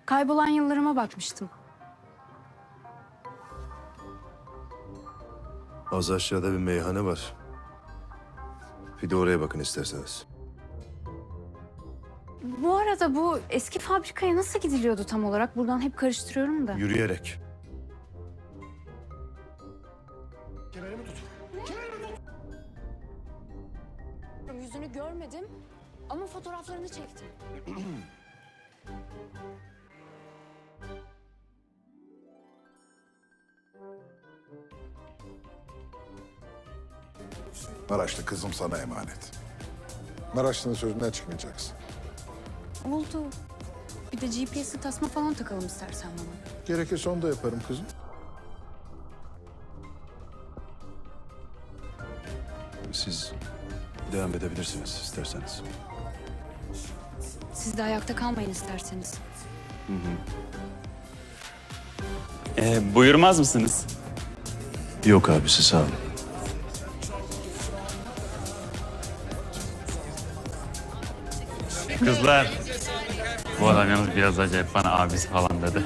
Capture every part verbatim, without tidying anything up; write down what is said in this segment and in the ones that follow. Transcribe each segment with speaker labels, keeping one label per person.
Speaker 1: Kaybolan yıllarıma bakmıştım.
Speaker 2: Az aşağıda bir meyhane var. Bir de oraya bakın isterseniz.
Speaker 1: Bu arada bu eski fabrikaya nasıl gidiliyordu tam olarak? Buradan hep karıştırıyorum da.
Speaker 2: Yürüyerek.
Speaker 1: Yüzünü görmedim ama fotoğraflarını çektim.
Speaker 3: Maraşlı kızım sana emanet. Maraşlı'nın sözünden çıkmayacaksın.
Speaker 1: Oldu. Bir de G P S'li tasma falan takalım istersen bana.
Speaker 3: Gerekirse onu da yaparım kızım.
Speaker 2: Siz devam edebilirsiniz isterseniz.
Speaker 1: Siz de ayakta kalmayın isterseniz.
Speaker 4: Ee, buyurmaz mısınız?
Speaker 2: Yok abisi sağ olun.
Speaker 4: Kızlar. Bu adam yalnız biraz acayip, bana abisi falan dedi.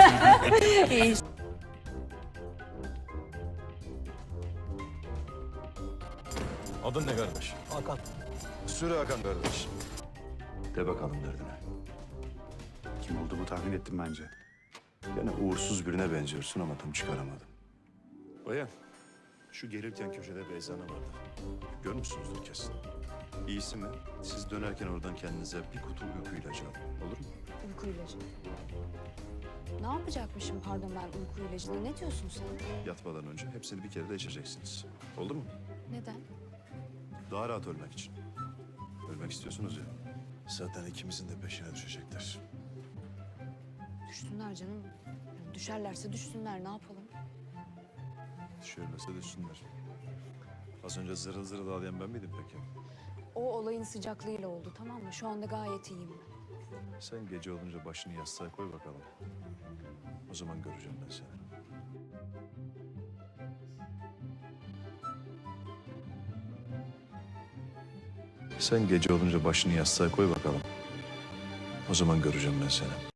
Speaker 2: Adın ne kardeş? Hakan. Sürü Hakan kardeş. De bakalım derdine.
Speaker 5: Kim olduğumu tahmin ettim bence.
Speaker 2: Gene uğursuz birine benziyorsun ama tam çıkaramadım. Bayan, şu gelirken köşede bir eczane vardı. Görmüşsünüzdür kesin. İyisi mi? Siz dönerken oradan kendinize bir kutu uyku ilacı alın. Olur mu?
Speaker 1: Uyku ilacı. Ne yapacakmışım pardon ben uyku ilacını? Ne diyorsun sen?
Speaker 2: Yatmadan önce hepsini bir kere de içeceksiniz. Oldu mu?
Speaker 1: Neden?
Speaker 2: Daha rahat ölmek için. Ölmek istiyorsunuz ya. Zaten ikimizin de peşine düşecekler.
Speaker 1: Düşsünler canım. Yani düşerlerse düşsünler ne yapalım?
Speaker 2: Düşerlerse düşsünler. Az önce zırıl zırıl ağlayan ben miydim peki?
Speaker 1: O olayın sıcaklığıyla oldu tamam mı? Şu anda gayet iyiyim.
Speaker 2: Sen gece olunca başını yastığa koy bakalım. O zaman göreceğim ben seni. Sen gece olunca başını yastığa koy bakalım. O zaman göreceğim ben seni.